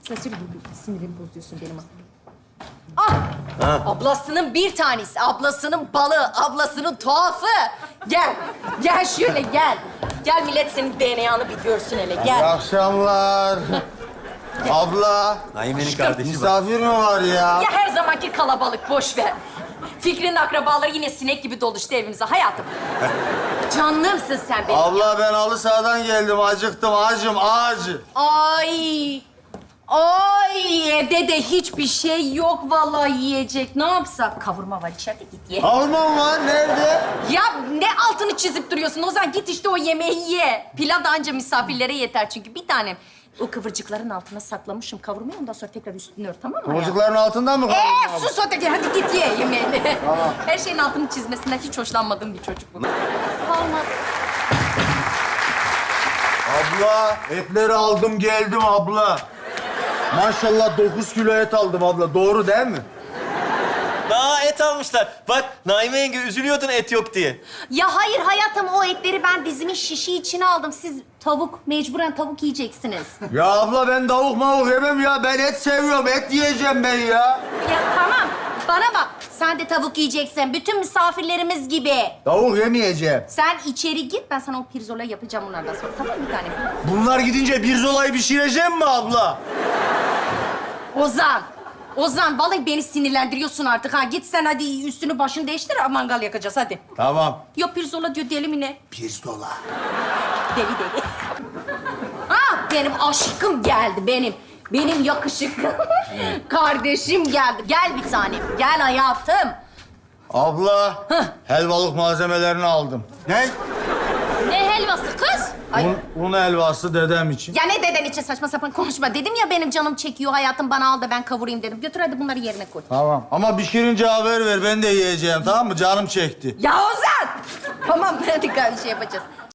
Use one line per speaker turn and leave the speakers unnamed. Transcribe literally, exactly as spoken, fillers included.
Sen sürekli sinirimi bozuyorsun benim. Ah! Ablasının bir tanesi, ablasının balı, ablasının tuhafı. Gel, gel şöyle gel. Gel millet senin D N A'nı bir görsün hele,
İyi
gel.
akşamlar. Abla,
Naime'nin kardeşi bak.
misafir mi var ya?
Ya her zamanki kalabalık, boş ver. Fikri'nin akrabaları yine sinek gibi doluştu evimize hayatım. Canlımsın sen benim.
Abla ben halı sahadan geldim, acıktım, acım, acı.
Ay, ay evde de hiçbir şey yok vallahi yiyecek. Ne yapsak? Kavurma var içeride, git ye.
Kavurmam var, nerede?
Ya ne altını çizip duruyorsun? O zaman git işte o yemeği ye. Pilav da anca misafirlere yeter çünkü bir tanem. O kıvırcıkların altına saklamışım kavurmayı. Ondan sonra tekrar üstünü ör, tamam mı?
Çocukların altından mı kavurmam?
Ee, sus öteki. Hadi git ye yemeğini. Her şeyin altını çizmesinden hiç hoşlanmadığım bir çocuk bu. Olmaz.
Abla, etleri aldım geldim abla. Maşallah dokuz kilo et aldım abla, doğru değil mi?
Daha et almışlar. Bak Naime yenge üzülüyordun et yok diye.
Ya hayır hayatım, o etleri ben dizimin şişi içine aldım. Siz tavuk, mecburen tavuk yiyeceksiniz.
Ya abla ben tavuk mavuk yemem ya, ben et seviyorum, et yiyeceğim ben ya.
Ya tamam, bana bak. Sen de tavuk yiyeceksin. Bütün misafirlerimiz gibi.
Tavuk yemeyeceğim.
Sen içeri git, ben sana o pirzola yapacağım bunlardan sonra. Tamam mı bir tane?
Bunlar gidince bir zolayı pişireceğim mi abla?
Ozan, Ozan vallahi beni sinirlendiriyorsun artık ha. Git sen hadi üstünü başını değiştir, mangal yakacağız hadi.
Tamam.
Yok pirzola diyor, deli mi ne?
Pirzola.
Deli deli. Ha, benim aşkım geldi benim. Benim yakışıklı kardeşim geldi. Gel bir tanem, gel hayatım.
Abla, helvalık malzemelerini aldım. Ne?
Ne helvası kız? Ay.
Un, un helvası dedem için.
Ya ne deden için saçma sapan konuşma. Dedim ya benim canım çekiyor hayatım, bana al da ben kavurayım dedim. Götür hadi bunları yerine koy.
Tamam. Ama pişirince haber ver, ben de yiyeceğim, tamam mı? Canım çekti.
Ya Ozan! Tamam hadi bir şey yapacağız.